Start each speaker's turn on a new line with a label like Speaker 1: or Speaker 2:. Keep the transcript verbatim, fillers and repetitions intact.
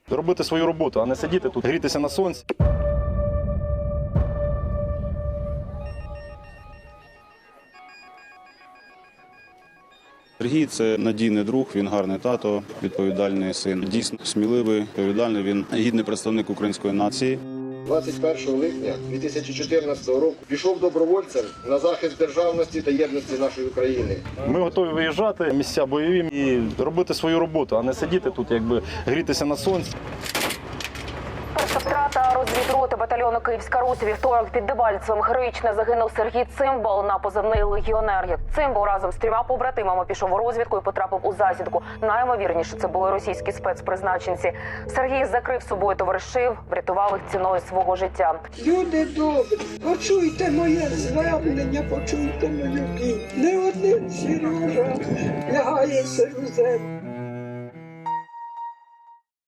Speaker 1: Робити свою роботу, а не сидіти тут, грітися на сонці.
Speaker 2: Сергій – це надійний друг, він гарний тато, відповідальний син. Дійсно сміливий, відповідальний, він гідний представник української нації.
Speaker 3: двадцять першого липня дві тисячі чотирнадцятого року пішов добровольцем на захист державності та єдності нашої України.
Speaker 1: Ми готові виїжджати в місця бойові і робити свою роботу, а не сидіти тут, якби грітися на сонці.
Speaker 4: Перша втрата розвідроти батальйону «Київська Русь» вівторок під Дебальцевим. Героїчно загинув Сергій Цимбал на позивний «Легіонер». Як Цимбал разом з трьома побратимами пішов у розвідку і потрапив у засідку. Наймовірніше, це були російські спецпризначенці. Сергій закрив собою товаришів, врятував їх ціною свого життя.
Speaker 5: Люди добрі, почуйте моє звернення, почуйте мою біль. Не один Сережа лягає серед землі.